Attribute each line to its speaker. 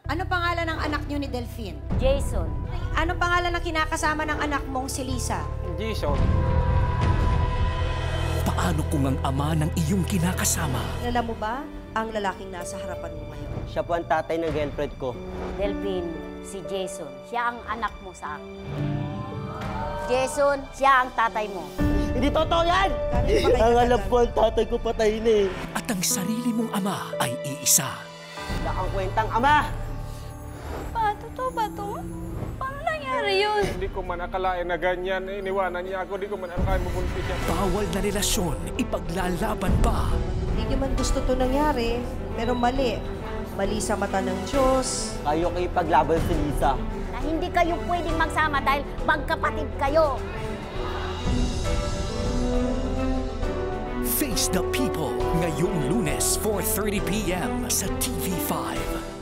Speaker 1: Ano pangalan ng anak niyo ni Delphine?
Speaker 2: Jason.
Speaker 1: Ano pangalan ng kinakasama ng anak mong si Lisa?
Speaker 3: Jason.
Speaker 4: Paano kung ang ama ng iyong kinakasama
Speaker 1: Alam mo ba ang lalaking nasa harapan mo ngayon?
Speaker 5: Siya po ang tatay ng girlfriend ko.
Speaker 2: Delphine, si Jason. Siya ang anak mo sa akin. Jason, siya ang tatay mo.
Speaker 5: Hindi totoo yan! Ang alam ko, ang tatay ko patay na eh.
Speaker 4: at ang sarili mong ama ay iisa?
Speaker 5: Wala kang kwentang ama!
Speaker 2: Pa, totoo ba to? Paano nangyari yun?
Speaker 3: Hindi ko man akalain na ganyan. Iniwanan niya ako. Hindi ko man akalain mabuntis siya.
Speaker 4: Bawal na relasyon, ipaglalaban pa.
Speaker 1: Hindi man gusto to nangyari, pero mali. Mali sa mata ng Diyos.
Speaker 5: Kayo kayo paglaban si Lisa.
Speaker 2: Na hindi kayo pwedeng magsama dahil magkapatid kayo.
Speaker 4: Face the People, ngayong Lunes, 4:30 p.m. sa TV5.